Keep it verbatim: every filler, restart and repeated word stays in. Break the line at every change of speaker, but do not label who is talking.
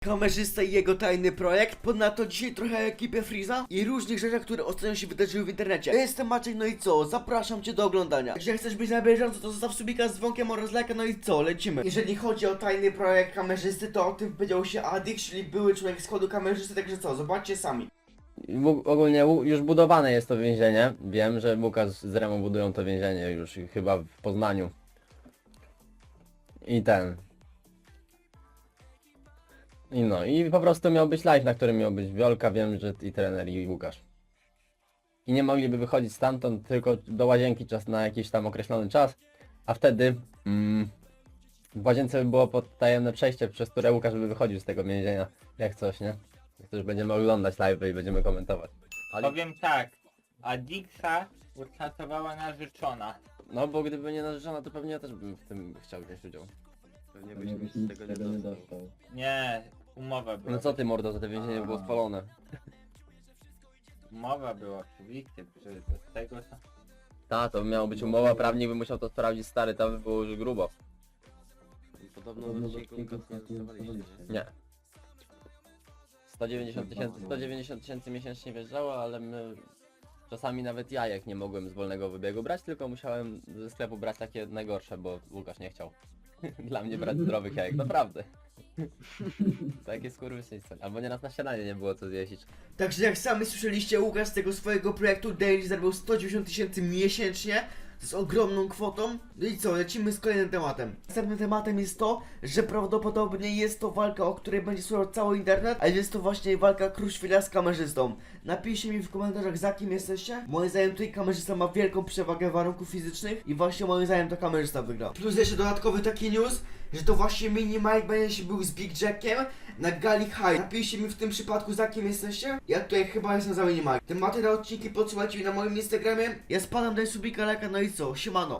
Kamerzysta i jego tajny projekt. Ponadto dzisiaj trochę o ekipie Freeza i różnych rzeczach, które ostatnio się wydarzyły w internecie. Ja jestem Maciek, no i co? Zapraszam cię do oglądania. Jeżeli chcesz być na bieżąco, to zostaw subika z dzwonkiem oraz lajka, no i co? Lecimy. Jeżeli chodzi o tajny projekt kamerzysty, to o tym wypowiedział się Adix, czyli były człowiek składu kamerzysty, także co? Zobaczcie sami.
W- Ogólnie u- już budowane jest to więzienie. Wiem, że Łukasz z Remo budują to więzienie już chyba w Poznaniu. I ten. I no, i po prostu miał być live, na którym miał być Wiolka, wiem, że i trener, i Łukasz. I nie mogliby wychodzić stamtąd, tylko do łazienki czas na jakiś tam określony czas, a wtedy mm, w łazience by było potajemne przejście, przez które Łukasz by wychodził z tego więzienia, jak coś, nie? To już będziemy oglądać live i będziemy komentować. Ale,
Powiem tak, Adixa uratowała narzeczona.
no bo gdyby nie narzeczona, to pewnie ja też bym w tym chciał wziąć udział. Pewnie byś nic z tego nie dostał.
Nie, umowa była.
No co ty mordo, za te więzienie było spalone.
Umowa była oczywiście, że z tego to...
Ta, to miała być umowa, prawnik by musiał to sprawdzić, stary, tam by było już grubo.
Podobno do odcinku nie dostawaliście, nie?
Nie. sto dziewięćdziesiąt tysięcy, sto dziewięćdziesiąt tysięcy miesięcznie wjeżdżało, ale my... Czasami nawet jajek nie mogłem z wolnego wybiegu brać, tylko musiałem ze sklepu brać takie najgorsze, bo Łukasz nie chciał. Dla mnie brać zdrowych jajek, naprawdę. Takie skurwysyństwo. Albo nieraz na śniadanie nie było co zjeść.
Także jak sami słyszeliście, Łukasz z tego swojego projektu Daily zarobił sto dziewięćdziesiąt tysięcy miesięcznie. To jest ogromną kwotą. No i co, lecimy z kolejnym tematem. Następnym tematem jest to, że prawdopodobnie jest to walka, o której będzie słuchał cały internet, a jest to właśnie walka Kruszwila z kamerzystą. Napiszcie mi w komentarzach, za kim jesteście. Moim zdaniem tutaj kamerzysta ma wielką przewagę warunków fizycznych i właśnie moim zdaniem to kamerzysta wygra. Plus jeszcze dodatkowy taki news, że to właśnie Mini Mike będzie się był z Big Jackiem na gali High. Napiszcie mi w tym przypadku, za kim jesteście. Ja tutaj chyba jestem za Mini Mike. Tematy na odcinki podsyłajcie mi na moim Instagramie. Ja spadam, daj subika, lajka, no i co? Siemano.